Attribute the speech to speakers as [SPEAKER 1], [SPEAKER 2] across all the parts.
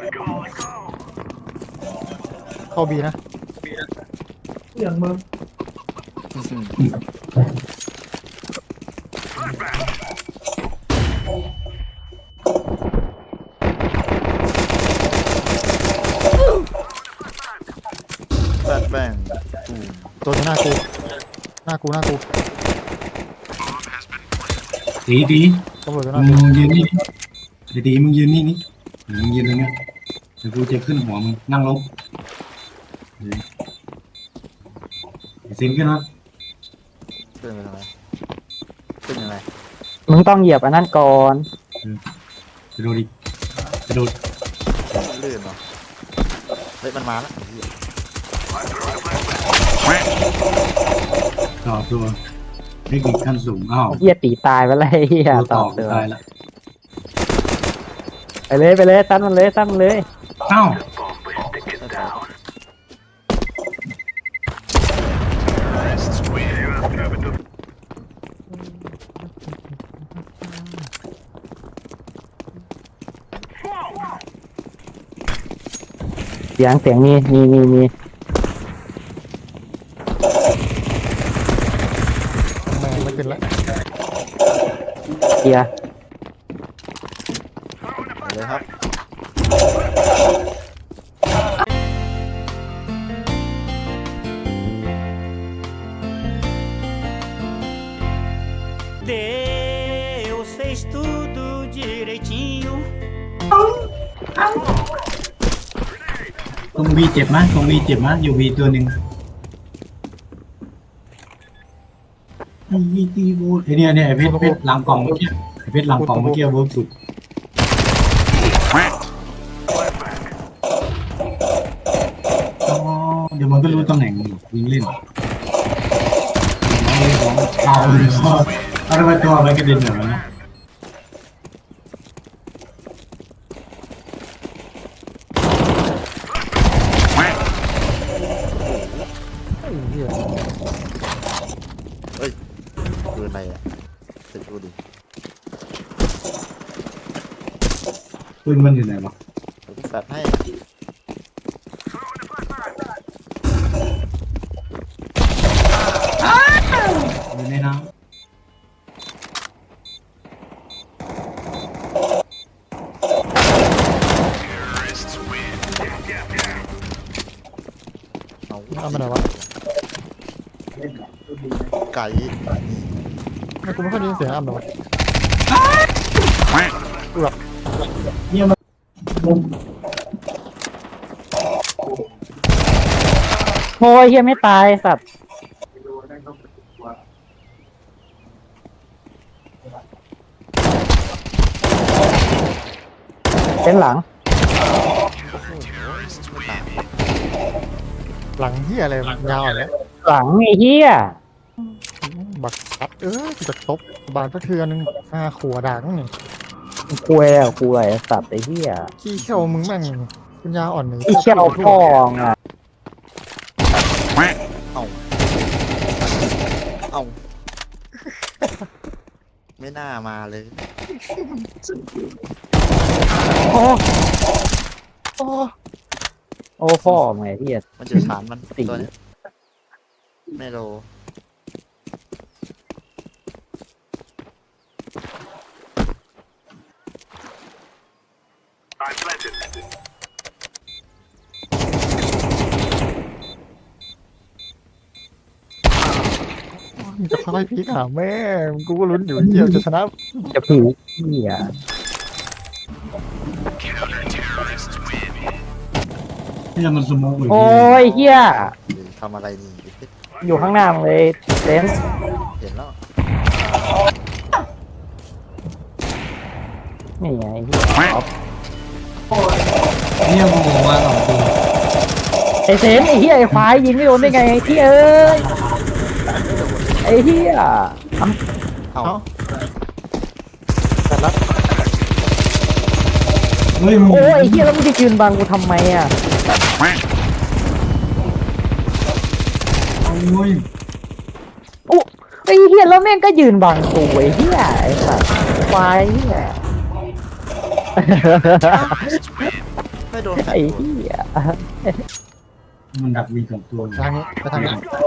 [SPEAKER 1] เข้าบีนะอย่างมึง
[SPEAKER 2] แฟดแบง
[SPEAKER 1] ตัวหน้ากูหน้ากู
[SPEAKER 3] ตี
[SPEAKER 1] ตำรวจตัวหน้า
[SPEAKER 3] มึ
[SPEAKER 1] กู
[SPEAKER 3] งยืนนี่ตีมึงยืนนี่มึงยืนตรงเนี้ยเดี๋ยวกูจะขึ้นหัวมึงนั่งลงซิมขึ้นมา
[SPEAKER 2] ขึ้นไปทำไมขึ้นยังไง
[SPEAKER 4] มึงต้องเหยียบอันนั้นก่อน
[SPEAKER 3] กระโดดดิกระโดด
[SPEAKER 2] ลื่นเหรอเฮ้ยมันมาแล้ว
[SPEAKER 3] ต่อตัวเทคนิคขั้นสูงอ้าว
[SPEAKER 4] เฮียตีตายไปเลยเฮีย
[SPEAKER 3] ตัว
[SPEAKER 4] ต่
[SPEAKER 3] ต่
[SPEAKER 4] อ
[SPEAKER 3] อ
[SPEAKER 4] เตือ
[SPEAKER 3] ตายแล้ว
[SPEAKER 4] ไปเลยตั้นมันเลย
[SPEAKER 3] อ้าว
[SPEAKER 4] เสียงมี
[SPEAKER 1] แม่งไม่ขึ้นแล้ว
[SPEAKER 4] เฮีย
[SPEAKER 2] เลยครับ
[SPEAKER 5] Deus fez tudo direitinho.
[SPEAKER 3] ตรงวีเจ็บมั้ยอยู่วีตัวหนึ่งวีตีโวไอเนี่ยไอเพชรหลังกล่องเมื่อกี้ไอเพชรหลังกล่องเมื่อกี้เวิร์กสุดอ๋อเดี๋ยวมันก็รู้ตำแหน่งยิงเล่นเอาเลยเอาทำไมตัวมันกระเด็นแบบนั้นนะ
[SPEAKER 1] ไอ้เหี้ย
[SPEAKER 2] เฮ้ยปืนอะไรอ่ะจะดูดิ
[SPEAKER 3] ปืนมันอยู่ไหนวะ
[SPEAKER 2] ผมแฟดให้
[SPEAKER 3] อยู่ในน้
[SPEAKER 2] เอา
[SPEAKER 1] เอามาไหนวะ
[SPEAKER 2] ไก่
[SPEAKER 1] ไม่กูไม่ค่อยได้ยินเสียงอ้ำเลยวะ
[SPEAKER 3] ำเนี่ยมัน
[SPEAKER 4] โอ้ยเฮียไม่ตายสัตว์เป็นหลัง
[SPEAKER 1] หลังเหี้ยอะไรยาวเนี่ย
[SPEAKER 4] หลังไอ้เฮีย
[SPEAKER 1] บักซัดกูจะตบบานพระเทือนึง5 ขัวด่างนี่
[SPEAKER 4] คุยสัตว์ไอ้เฮีย
[SPEAKER 1] ขี้เขี้ยวมึงแม่งปัญญาอ่อนนี่
[SPEAKER 4] ไอ้เชี่ยวทองอ่ะ
[SPEAKER 2] เอาไม่น่ามาเลย
[SPEAKER 1] โอ้โอ้
[SPEAKER 4] โอ้พ่อมึงไอ้เฮีย
[SPEAKER 2] มันจะฐานมัน
[SPEAKER 4] สี่
[SPEAKER 2] ตัวนี้ไม่โล
[SPEAKER 1] มึงจะค่อยๆพลิกหาแม่กูก็ลุ้นอยู่เหี้ยจะชนะ
[SPEAKER 4] จะผีเฮีย
[SPEAKER 3] เนี่ยมันสโมกอยู่
[SPEAKER 4] โอ้ยเฮีย
[SPEAKER 2] ทำอะไรนี่
[SPEAKER 4] อยู่ข้างหน้ามึงเลยเซน
[SPEAKER 2] เห็นแล้ว
[SPEAKER 4] นี่ไงเฮีย
[SPEAKER 3] เนี่ยโมมาสองตัว
[SPEAKER 4] ไอเซนไอเฮียไอควายยิงไม่โดนได้ไงไอที่เอ้ยไอเฮีย
[SPEAKER 2] เอา
[SPEAKER 1] แต่ละ
[SPEAKER 3] เฮ้ยมึง
[SPEAKER 4] โอ้ยไอเฮียแล้วมึงจะยืนบังกูทำไมอ่ะ
[SPEAKER 3] โอ้ย
[SPEAKER 4] โอ้ไอเฮียแล้วแม่งก็ยืนบังกูไอเฮียไอสัตว์ควายเฮีย
[SPEAKER 2] ไม่โดนแฟด
[SPEAKER 4] ไอ้
[SPEAKER 2] ตัว
[SPEAKER 4] เหี้ย
[SPEAKER 3] มันดักมีสองตัว
[SPEAKER 1] ทางนี้ไปทางนี้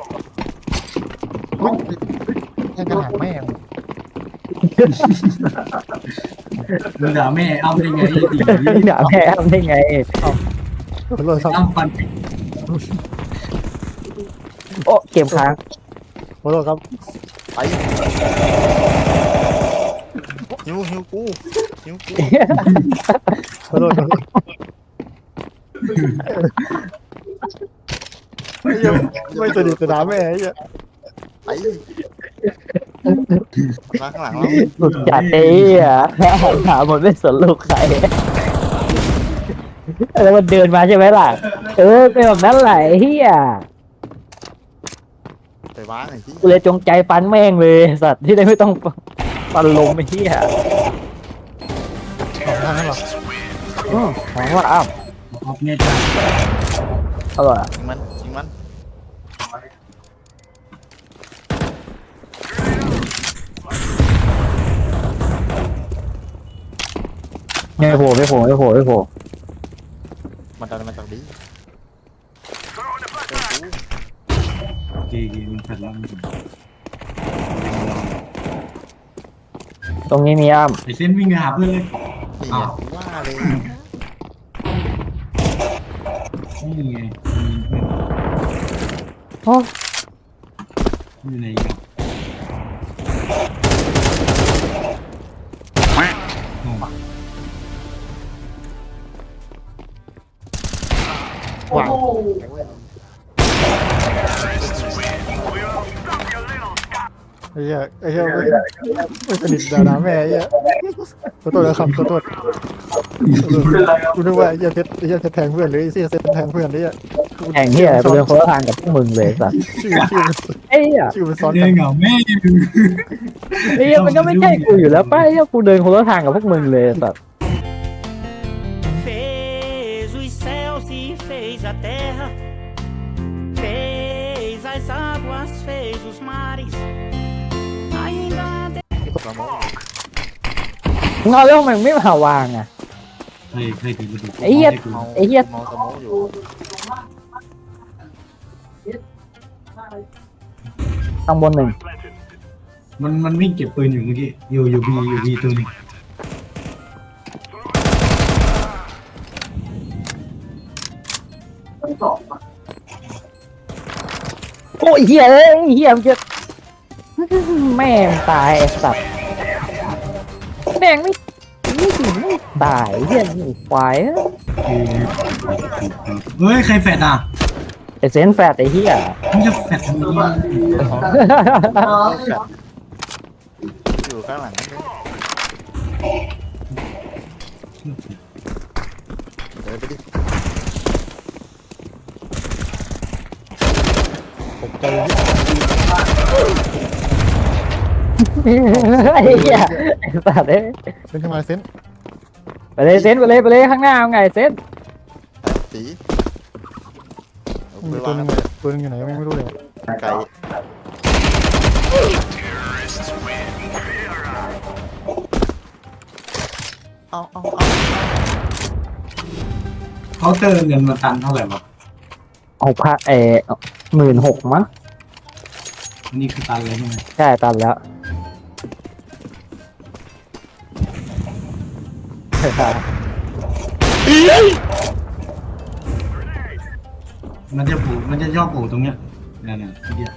[SPEAKER 1] อุ๊ยแค่กระถางแม่ง
[SPEAKER 3] มึงด่าแม่อ้ำได้ไงไอ้ตี
[SPEAKER 4] ด่าแพ้ทำได้ไง
[SPEAKER 1] ขอโทษครับ
[SPEAKER 3] อ้ำฟัน
[SPEAKER 4] โอ้เกมค้าง
[SPEAKER 1] ขอโทษครับ
[SPEAKER 2] ไปหิวกูหิวกู
[SPEAKER 1] ขอโทษครับไม่สนิทสนามแม่ไอ้เหี้ย
[SPEAKER 2] ไปมาข้างหลังเรา
[SPEAKER 4] หลุดจัดไอ้เหี้ยหาหมดไม่สนลูกใครแล้วมันเดินมาใช่ไหมล่ะเป็นแบบนั้นแหละไอ้เหี้ย
[SPEAKER 2] ไปว้างไอ้ที่
[SPEAKER 4] กูเลยจงใจฟันแม่งเลยสัตว์ที่ได้ไม่ต้องฟันลมไอ้เหี้ย
[SPEAKER 1] สองทางนั้นหรอ
[SPEAKER 4] หวังว่าอ้าว
[SPEAKER 3] ออกเนี่ยจ้า
[SPEAKER 4] อร่อยอะ
[SPEAKER 2] ยิงมัน
[SPEAKER 4] ไม่โผล่
[SPEAKER 2] มันดันมาจากดี
[SPEAKER 3] เกย์มันขัดแล้วมันถึง
[SPEAKER 4] ตรงนี้มีอ้ำ
[SPEAKER 3] ไอ้เส้นวิ่งไปหาเพื่อนเลย
[SPEAKER 2] นี่ไงว่าเลย
[SPEAKER 3] นี่ไง
[SPEAKER 4] โอ้
[SPEAKER 3] อยู่ไหนกัน
[SPEAKER 1] หวังไอ้เหี้ยไม่สนิทสนามแม่ไอ้เหี้ยขอโทษนะครับขอโทษกูนึกว่าไอ้เหี้ยเพชรแทงเพื่อนหรือไอ้เหี้ยเซนแทงเพื่อนไอ้เหี้ย
[SPEAKER 4] แข่งเหี้ยกูเดินคนละทางกับพวกมึงเลยสัตว์ ไอ้เหี้ย
[SPEAKER 1] ชื่อมันซ้อน
[SPEAKER 3] เดิ
[SPEAKER 1] กัน น
[SPEAKER 3] เหงาแม่
[SPEAKER 4] ไอ้เหี้ยมันก็ไม่ใช่กูอยู่แล้วป้าไอ้เหี้ยกูเดินคนละทางกับพวกมึงเลยสัตว์
[SPEAKER 5] Fez os céus e fez a terra, fez as águas, fez os mares. Ainda
[SPEAKER 2] เรามอง
[SPEAKER 4] มึงเอาแล้วทำไมมึงไม่มาวางอ่ะ
[SPEAKER 3] ใครถือมาดู
[SPEAKER 4] ไอ้เหี้ย ไอ้เหี้ย
[SPEAKER 2] มองสมองอยู่
[SPEAKER 4] ต้องบนหนึ่ง
[SPEAKER 3] มันวิ่งเก็บปืนอยู่เมื่อกี้อยู่บีตัวนึง
[SPEAKER 4] โอ้ยเหี้ยเหี้ยมันจะแม่งตายไอ้สัตว์แม่งไม่ตายเหี้ยนี่ควาย
[SPEAKER 3] เฮ้ยใครแฟดอ่ะ
[SPEAKER 4] ไอ้เซนแฟดไอ้เหี้ย
[SPEAKER 3] มึงจะแฟดทำไม
[SPEAKER 2] อยู่ข้างหลังนั่นเลยเดินไปดิ
[SPEAKER 1] ตกใจ
[SPEAKER 4] ไอ้เหี้ยไอ้สัตว์เอ้ย
[SPEAKER 1] เซนขึ้นมาเซน
[SPEAKER 4] ไปเลยเซนไปเลยข้างหน้าเอาไงเซน
[SPEAKER 2] ตีเอา
[SPEAKER 1] มี
[SPEAKER 2] ไป
[SPEAKER 1] ตัว
[SPEAKER 2] วาง
[SPEAKER 1] นึงตัวนึงอยู่ไหนไม่รู้เลย
[SPEAKER 2] ไกล เอา
[SPEAKER 3] เขาเติมเงินมาตันเท่าไหร่วะ
[SPEAKER 4] 16,000มั้ง
[SPEAKER 3] อันนี้คือตันเลยใช่ไหม
[SPEAKER 4] ใช่ตันแล้ว
[SPEAKER 3] มันจะชอบโผล่ตรงเนี้ยเนี่ยเฮีย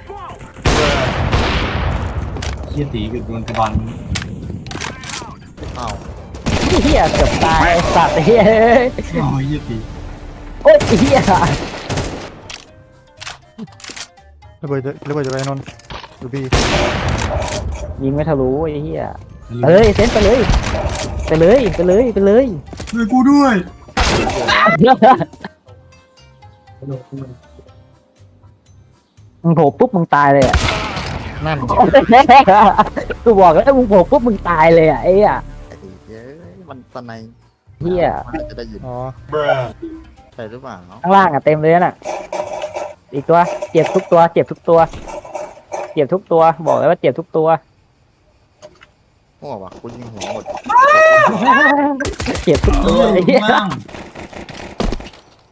[SPEAKER 3] ตีกับโดนกระบาล
[SPEAKER 2] เอา
[SPEAKER 4] เหี้ยเกือบตายไอ้สัตว์เฮ้ย
[SPEAKER 3] โอ้ยเฮียตี
[SPEAKER 4] โอ้ยเหี้ย
[SPEAKER 1] ระเบิดจะไปนนท์ดูบี
[SPEAKER 4] ยิงไม่ทะลุไอ้เหี้ยเฮ้ยเซนไปเลยไปเลย
[SPEAKER 3] ช่วยกูด้วย
[SPEAKER 4] มึงโผล่ปุ๊บมึงตายเลยอ่ะ
[SPEAKER 1] นั่น
[SPEAKER 4] กูบอกแล้วมึงโผล่ปุ๊บมึงตายเลยอ่ะไอ้เหี้ย
[SPEAKER 2] ไอ้เย้ยมันสไน
[SPEAKER 4] เหี้ย
[SPEAKER 2] จะได้ยิน
[SPEAKER 1] อ๋อ
[SPEAKER 2] ใช่หรือเปล่า
[SPEAKER 4] ข้างล่างอ่ะเต็มเลยน่ะ อีกตัวเจ็บทุกตัวบอกเลยว่าเจ็บทุกตัว
[SPEAKER 2] หัววะกูยิงหัวหมด
[SPEAKER 4] เจ็บทุกตัวไอ้เหี้ย
[SPEAKER 3] บ้าง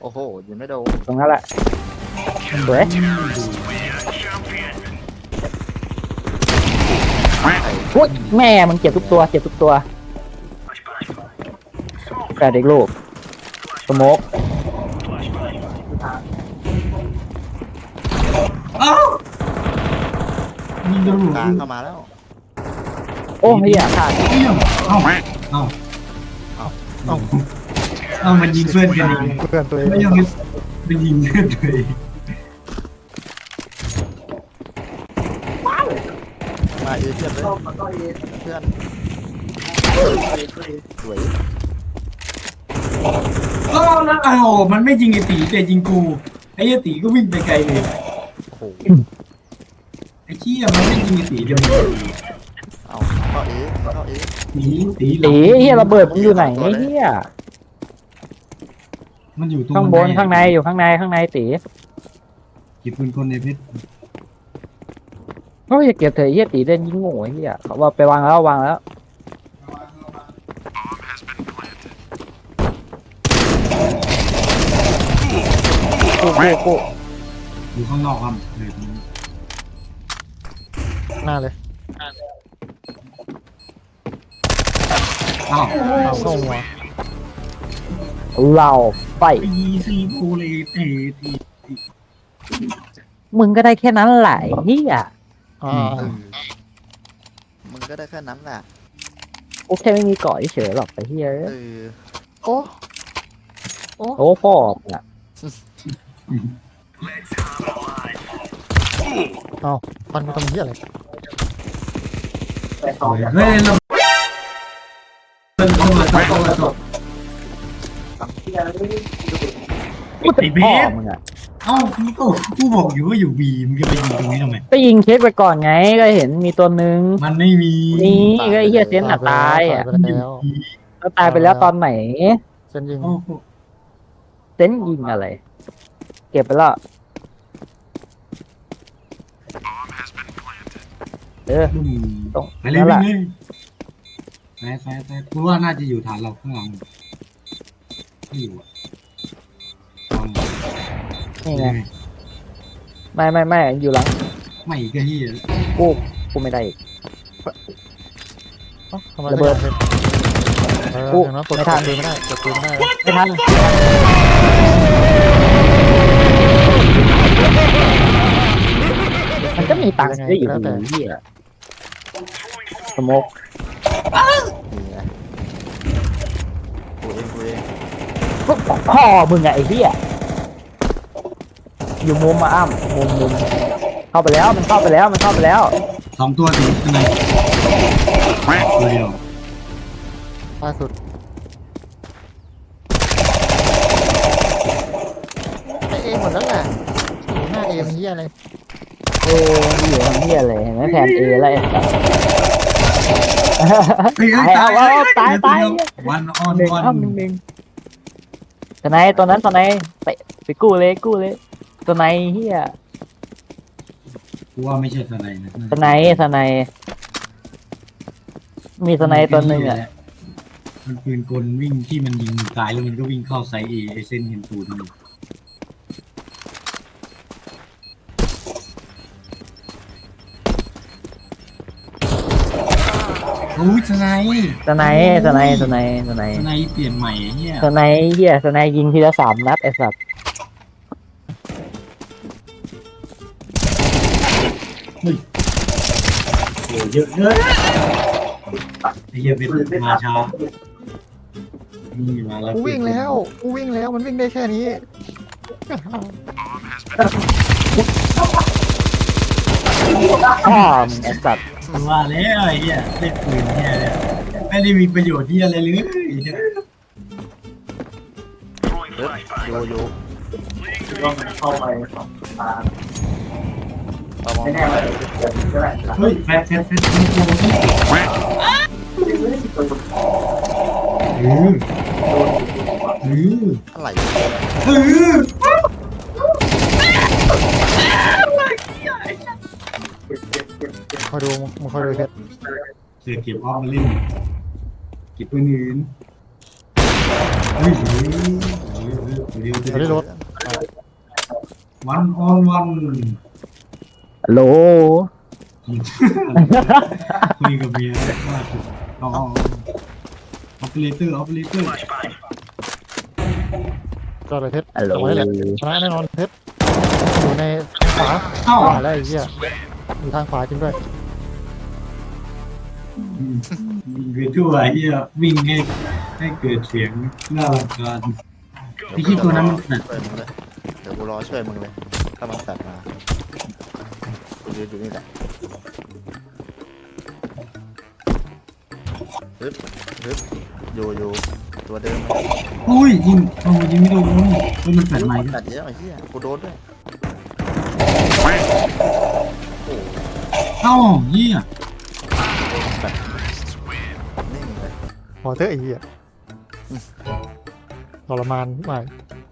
[SPEAKER 2] โอ้โหยิงไม่โดน
[SPEAKER 4] ตรงนั้นแหละสวยอุ๊ยแม่มันเจ็บทุกตัวเจ็บทุกตัวแปดเด็กลูกสโมก
[SPEAKER 3] อ้าวยิงโดนหัว
[SPEAKER 2] กลางเข้ามาแล้ว
[SPEAKER 4] โอ้เฮียขาด
[SPEAKER 3] เอ้าเอ้าเอ้า
[SPEAKER 2] เอ้า
[SPEAKER 1] เอ้า
[SPEAKER 3] เอ้ามันยิงเพื่อนกันเอง
[SPEAKER 1] เพื่อนตัวเอง
[SPEAKER 3] ไม่ยอมไปยิงเพื่อนตัวเอง
[SPEAKER 2] มาเอเพื่อนเลยเพื่อนสวย
[SPEAKER 3] อ้าวแล้วอ้าวมันไม่ยิงไอ้ตีแต่ยิงกูไอ้เหี้ยตีก็วิ่งไปไกลเลย
[SPEAKER 2] โอ้โห
[SPEAKER 3] ไอ้เหี้ยมันไม่ยิงไอ้ตีเดี๋ยวมัน
[SPEAKER 2] เอาเข้าเอเข้าเอ
[SPEAKER 3] ตีตี
[SPEAKER 4] ตีเฮียระเบิดมันอยู่ไหนเฮีย
[SPEAKER 3] มันอยู่ตรง
[SPEAKER 4] ข้างบนข้างในอยู่ข้างในตี
[SPEAKER 3] เก็บปืนคนในเพชร
[SPEAKER 4] เฮ้ยอย่าเก็บเถอะเฮียตีเล่นยิงโง่เฮียเขาว่าไปวางแล้วกู
[SPEAKER 3] อยู่ข้างนอกครับเลย
[SPEAKER 1] หน้าเลย
[SPEAKER 3] อ้าว
[SPEAKER 1] เอาเข้าหัว
[SPEAKER 4] เราไฟ
[SPEAKER 3] ตีซีโพเลยเตะตี
[SPEAKER 4] มึงก็ได้แค่นั้นแหละเฮีย
[SPEAKER 1] อ่า
[SPEAKER 2] มึงก็ได้แค่นั้นแหละ
[SPEAKER 4] โอเคไม่มีเกาะเฉยหรอกไอ้เฮีย
[SPEAKER 2] โอ้
[SPEAKER 4] โอ้พ่ออ่ะ
[SPEAKER 1] เอามันมาทำเหี้ยอะไร
[SPEAKER 3] เฮ้ยเราเป็นคนละตัว
[SPEAKER 4] กูจะพ่อมึงอ่ะ
[SPEAKER 3] เอ้ากูบอกอยู่ว่าอยู่บีมึงจะไปยิงตรงนี้ทำไม
[SPEAKER 4] ก็ยิงเช็คไปก่อนไงก็เห็นมีตัวนึง
[SPEAKER 3] มันไม่มี
[SPEAKER 4] นี่ก็ไอ้เฮียเซนอ่ะตายอ่ะ
[SPEAKER 1] ตายไปแล้ว
[SPEAKER 4] แล้วตายไปแล้วตอนไหน
[SPEAKER 1] เส้นยิง
[SPEAKER 3] โอ้โห
[SPEAKER 4] เซนยิงอะไร เก็บไปแล้วตรง
[SPEAKER 3] ไปเลย
[SPEAKER 4] นั่นแห
[SPEAKER 3] วิ่
[SPEAKER 4] ละ
[SPEAKER 3] งเลยไปกูว่าน่าจะอยู่ฐานเราข้างหลังไม่อยู่อ่ะ
[SPEAKER 4] นี่ไงไม่อยู่หลัง
[SPEAKER 3] ไม่ก็ที่
[SPEAKER 4] กูไม่ได้อีก
[SPEAKER 1] เอ้าทำไม
[SPEAKER 4] ระเบิด
[SPEAKER 1] กูอย่างนั้นกด
[SPEAKER 4] ไม่ทัน
[SPEAKER 1] ปืนไม่ได้กดปืนไม่ได้
[SPEAKER 4] ไม่ทันมันก็มีตังค์ซื้ออยู่ดีเหี้ยสโมก
[SPEAKER 2] นี่ไงกูเอง
[SPEAKER 4] พ่อมึงไงไอ้เหี้ยอยู่มุมมาอ้ำมุมเข้าไปแล้วมันเข้าไปแล้ว
[SPEAKER 3] สองตัวตีข้างในตัวเดียว
[SPEAKER 1] ล่าสุดไอเอหมดแล้วแหละอยู่หน้าเอมันเหี้ยอะไร
[SPEAKER 4] โอ้อยู่ทำเหี้ยเลยเห็นไหมแทนเอแล้วไอ้สัส
[SPEAKER 3] เฮ้ย
[SPEAKER 4] ตาย
[SPEAKER 3] วันออน
[SPEAKER 4] หนึ่ง
[SPEAKER 3] วัน
[SPEAKER 4] อ้ำหนึ่งตอนไหนไปกู้เลยตัวไหนเหี้ย
[SPEAKER 3] กูว่าไม่ใช่สไนนะ
[SPEAKER 4] สไนมีสไนตัวหนึ่งอ่ะ
[SPEAKER 3] มันปืนกลวิ่งที่มันยิงตายแล้วมันก็วิ่งเข้าไซเอไอเส้นเห็นตูดมันโอ้ยสไน
[SPEAKER 4] สไน
[SPEAKER 3] เปลี่ยนใหม่เนี่ย
[SPEAKER 4] สไนยิงทีละ3 นัดไอ้สัส
[SPEAKER 3] โอ้เยอะเลยไอ้เหี้ยเป็นมาช้านี่มาแล้ว
[SPEAKER 1] กูวิ่งแล้วมันวิ่งได้แค่นี้
[SPEAKER 4] พ่อมึงไอ้สัส
[SPEAKER 3] ว่าแล้วไอ้เหี้ยเล่นปืนเนี่ยไม่ได้มีประโยชน์ที่อะไรเลยเนี่ย
[SPEAKER 2] โยเข้าไปเอามอง
[SPEAKER 3] เฮ้ยแฟน
[SPEAKER 2] อะไร
[SPEAKER 1] คอยดูมึงคอยดูเพชร
[SPEAKER 3] เสือเก็บออฟมาเล่นเก็บปืนอื่นเฮ้ยเดี๋ยว
[SPEAKER 1] ไม่ได้รถ
[SPEAKER 3] วันออนวัน
[SPEAKER 4] ฮัลโหล
[SPEAKER 3] คุยกับเมียว่าอ๋อออปเปอเรเตอร์
[SPEAKER 1] ก็เลยเพชร
[SPEAKER 4] ฮัลโหล
[SPEAKER 1] เอาไว้แหละชนะแน่นอนเพชรอยู่ในทางขวา
[SPEAKER 3] เอ้า
[SPEAKER 1] ขวาแล้วไอ้เหี้ยอยู่ทางขวาจริงด้วย
[SPEAKER 3] วิ่งไปทั่วเฮียวิ่งให้เกิดเสียงน่ารำคาญไอ้ที่ตัวนั้นมันขนาด
[SPEAKER 2] ช่วยมึงเลยเดี๋ยวกูรอช่วยมึงเลยถ้ามันแฟดมากูยืนอยู่นี่แหละฮึบอยู่ตัวเดิม
[SPEAKER 3] อุ้ยยิงโอ้ยิงไม่โดนมันแฝงไหม
[SPEAKER 2] แฟดเยอะไอ้เหี้ยกูโดนด้วยโอ้
[SPEAKER 3] เอ้าเฮีย
[SPEAKER 2] นิ่งเลย
[SPEAKER 1] พอเถอะไอ้เหี้ยทรมานไป